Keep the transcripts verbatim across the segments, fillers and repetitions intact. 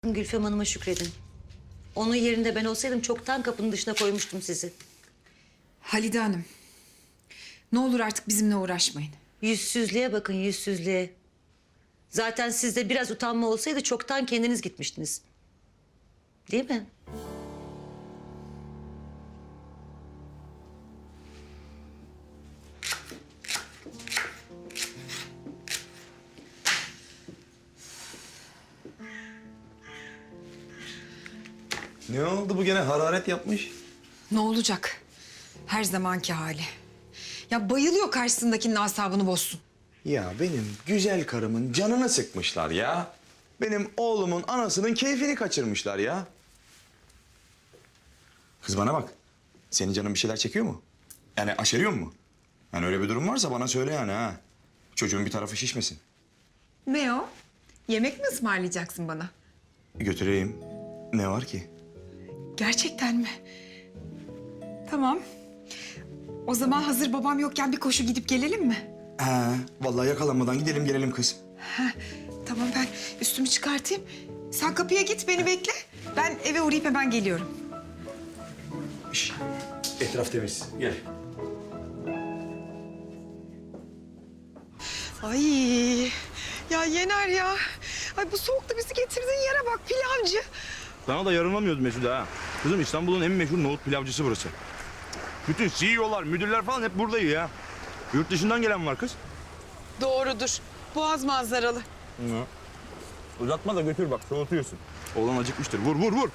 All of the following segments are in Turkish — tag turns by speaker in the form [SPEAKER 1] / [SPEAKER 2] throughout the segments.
[SPEAKER 1] Gülfem Hanım'a şükredin. Onun yerinde ben olsaydım çoktan kapının dışına koymuştum sizi.
[SPEAKER 2] Halide Hanım, ne olur artık bizimle uğraşmayın.
[SPEAKER 1] Yüzsüzlüğe bakın, yüzsüzlüğe. Zaten sizde biraz utanma olsaydı çoktan kendiniz gitmiştiniz. Değil mi?
[SPEAKER 3] Ne oldu bu gene hararet yapmış?
[SPEAKER 2] Ne olacak? Her zamanki hali. Ya bayılıyor karşısındakinin asabını bozsun.
[SPEAKER 3] Ya benim güzel karımın canını sıkmışlar ya. Benim oğlumun anasının keyfini kaçırmışlar ya. Kız bana bak. Senin canın bir şeyler çekiyor mu? Yani aşeriyor mu? Yani öyle bir durum varsa bana söyle yani ha. Çocuğun bir tarafı şişmesin.
[SPEAKER 2] Ne o? Yemek mi ısmarlayacaksın bana?
[SPEAKER 3] Götüreyim. Ne var ki?
[SPEAKER 2] Gerçekten mi? Tamam. O zaman hazır babam yokken bir koşu gidip gelelim mi?
[SPEAKER 3] Ha, vallahi yakalanmadan gidelim gelelim kız.
[SPEAKER 2] Ha, tamam ben üstümü çıkartayım. Sen kapıya git beni bekle. Ben eve uğrayıp hemen geliyorum.
[SPEAKER 3] Şş, etraf temiz. Gel.
[SPEAKER 2] Ay ya Yener ya. Ay bu soğukta bizi getirdiğin yere bak pilavcı.
[SPEAKER 4] Sana da yarınlamıyoruz Mesude ha. Kızım İstanbul'un en meşhur nohut pilavcısı burası. Bütün C E O'lar, müdürler falan hep burada ya. Yurt dışından gelen var kız.
[SPEAKER 2] Doğrudur. Boğaz manzaralı.
[SPEAKER 4] Hı. Uzatma da götür bak soğutuyorsun. Oğlan acıkmıştır. Vur vur vur.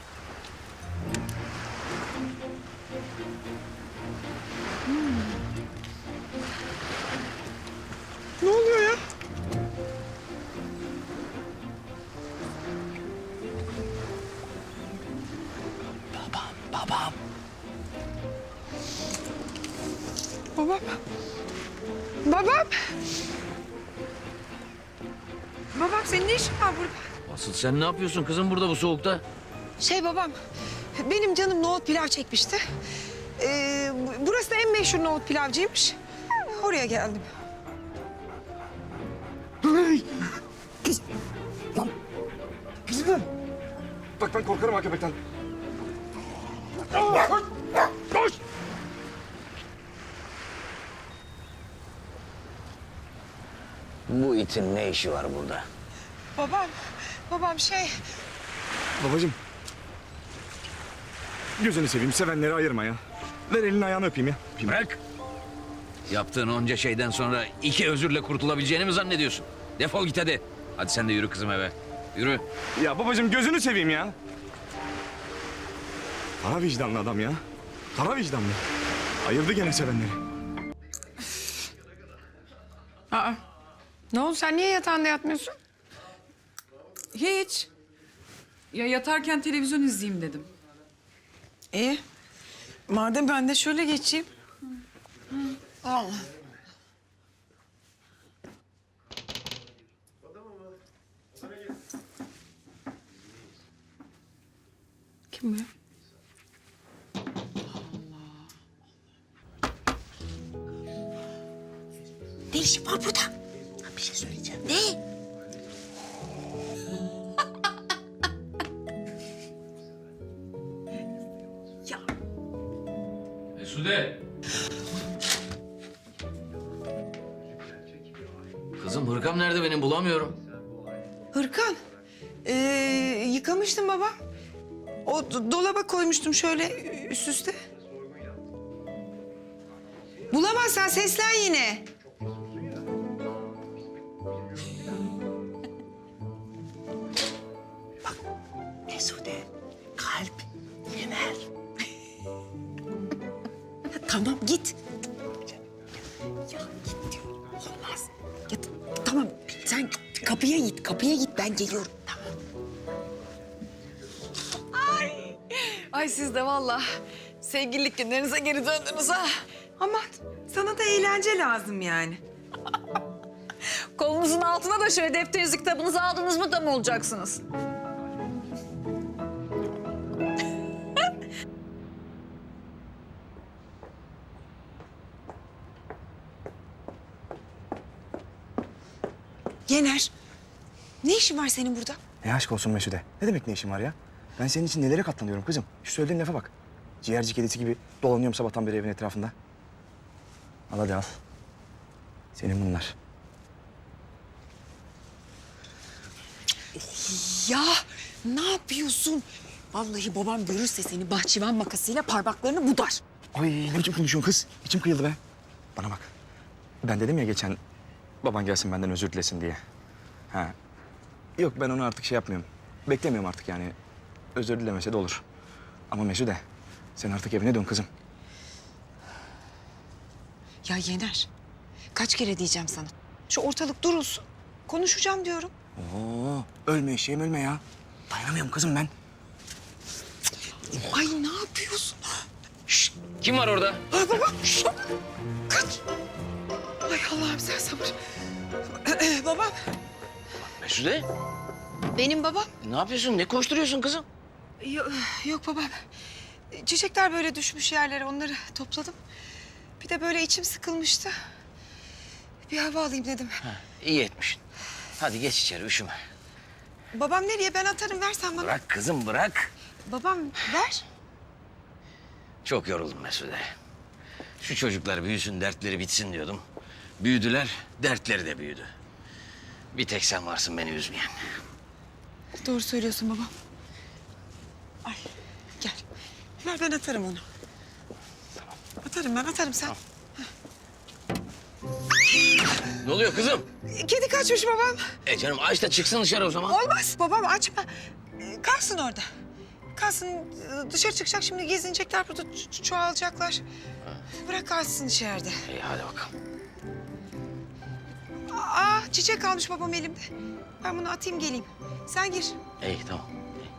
[SPEAKER 2] Ne oluyor ya?
[SPEAKER 3] Babam.
[SPEAKER 2] Babam. Babam. Babam senin ne işin var burada?
[SPEAKER 5] Asıl sen ne yapıyorsun kızım burada bu soğukta?
[SPEAKER 2] Şey babam, benim canım nohut pilav çekmişti. Ee, burası da en meşhur nohut pilavcıymış. Oraya geldim.
[SPEAKER 4] Kızım. Bak ben korkarım ha köpekten. Koş.
[SPEAKER 5] Bu itin ne işi var burada?
[SPEAKER 2] Babam, babam şey...
[SPEAKER 4] Babacığım. Gözünü seveyim sevenleri ayırma ya. Ver elini ayağını öpeyim ya. Öpeyim.
[SPEAKER 5] Bırak. Yaptığın onca şeyden sonra iki özürle kurtulabileceğini mi zannediyorsun? Defol git hadi. Hadi sen de yürü kızım eve. Yürü.
[SPEAKER 4] Ya babacığım gözünü seveyim ya. Kara vicdanlı adam ya. Kara vicdanlı. Ayırdı gene sevenleri.
[SPEAKER 2] Aa, ne oldu sen niye yatağında yatmıyorsun?
[SPEAKER 6] Hiç. Ya yatarken televizyon izleyeyim dedim.
[SPEAKER 2] İyi. Madem ben de şöyle geçeyim. Allah. Kim bu ya?
[SPEAKER 1] Ne işin var burada? Bir şey söyleyeceğim. Ne?
[SPEAKER 5] Mesude. Kızım hırkam nerede benim bulamıyorum.
[SPEAKER 2] Hırkan. Ee, yıkamıştım baba. O do- dolaba koymuştum şöyle üst üste. Bulamazsan seslen yine.
[SPEAKER 7] Mesude, kalp, Yener. Tamam git. Ya git diyorum. Olmaz. Ya, t- tamam sen kapıya git, kapıya git ben geliyorum. Tamam.
[SPEAKER 2] Ay siz de vallahi sevgililik günlerinize geri döndünüz ha. Aman sana da eğlence lazım yani.
[SPEAKER 6] Kolunuzun altına da şöyle defterinizi kitabınızı aldınız mı da mı olacaksınız?
[SPEAKER 2] Yener, ne işin var senin burada?
[SPEAKER 8] Ne aşk olsun Mesude. Ne demek ne işin var ya? Ben senin için nelere katlanıyorum kızım. Şu söylediğin lafa bak. Ciğerci kedisi gibi dolanıyorum sabahtan beri evin etrafında. Al hadi al. Senin bunlar.
[SPEAKER 7] Ya ne yapıyorsun? Vallahi babam görürse seni bahçıvan makasıyla parmaklarını budar.
[SPEAKER 8] Ay ne biçim konuşuyorsun kız? İçim kıyıldı be. Bana bak. Ben dedim ya geçen baban gelsin benden özür dilesin diye. Ha. Yok ben onu artık şey yapmıyorum. Beklemiyorum artık yani. Özür dilemese de olur. Ama Mesude sen artık evine dön kızım.
[SPEAKER 2] Ya Yener, kaç kere diyeceğim sana. Şu ortalık durulsun. Konuşacağım diyorum.
[SPEAKER 8] Oo, ölme eşeğim ölme ya. Dayanamıyorum kızım ben.
[SPEAKER 2] Ay ne yapıyorsun?
[SPEAKER 5] Kim var orada?
[SPEAKER 2] Ay baba, şşt! Kaç! Ay Allah'ım sen sabır. Babam,
[SPEAKER 5] Mesude,
[SPEAKER 2] benim babam.
[SPEAKER 5] ne yapıyorsun? Ne koşturuyorsun kızım?
[SPEAKER 2] Yok, yok babam. Çiçekler böyle düşmüş yerlere, onları topladım. Bir de böyle içim sıkılmıştı. Bir hava alayım dedim.
[SPEAKER 5] İyi etmişsin. Hadi geç içeri, üşüme.
[SPEAKER 2] Babam nereye? Ben atarım, versen bana.
[SPEAKER 5] Bırak kızım, bırak.
[SPEAKER 2] Babam ver.
[SPEAKER 5] Çok yoruldum Mesude. Şu çocuklar büyüsün, dertleri bitsin diyordum. Büyüdüler, dertleri de büyüdü. Bir tek sen varsın beni üzmeyen.
[SPEAKER 2] Doğru söylüyorsun babam. Ay gel. Ver ben atarım onu. Atarım ben atarım sen.
[SPEAKER 5] Ne oluyor kızım?
[SPEAKER 2] Kedi kaçmış babam.
[SPEAKER 5] E canım aç da çıksın dışarı o zaman.
[SPEAKER 2] Olmaz babam açma. Ee, Kalsın orada. Kalsın ee, dışarı çıkacak şimdi gezinecekler burada ço- çoğalacaklar. Bırak kalsın içeride.
[SPEAKER 5] İyi hadi bakalım.
[SPEAKER 2] Aa çiçek kalmış babam elimde. Ben bunu atayım geleyim. Sen gir.
[SPEAKER 5] İyi tamam.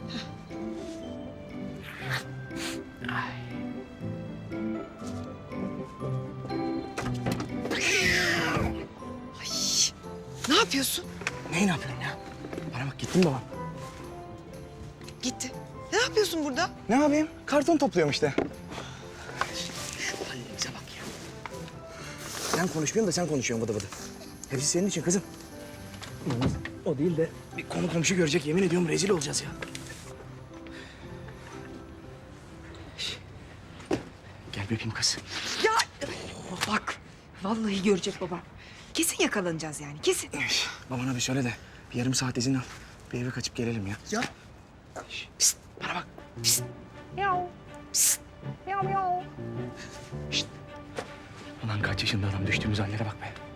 [SPEAKER 2] Ne yapıyorsun?
[SPEAKER 8] Neyi ne yapıyorum ya? Bana bak gittin babam.
[SPEAKER 2] Gitti. Ne yapıyorsun burada?
[SPEAKER 8] Ne yapayım? Karton topluyorum işte.
[SPEAKER 5] Halimize bak ya.
[SPEAKER 8] Ben konuşmuyorum da sen konuşuyorsun vıdı vıdı. Hepsi senin için kızım. O değil de bir konu komşu görecek yemin ediyorum rezil olacağız ya. Şş. Gel bir öpeyim kız.
[SPEAKER 2] Ya bak. Vallahi görecek babam. Kesin yakalanacağız yani kesin.
[SPEAKER 8] Şş, Babana bir söyle de bir yarım saat izin al. Bir eve kaçıp gelelim ya.
[SPEAKER 2] Ya.
[SPEAKER 8] Şş, pist, bana bak. Pist.
[SPEAKER 6] Miau.
[SPEAKER 8] Pist.
[SPEAKER 6] Miau miau.
[SPEAKER 8] Ulan kaç yaşında adam düştüğümüz hallere bak be.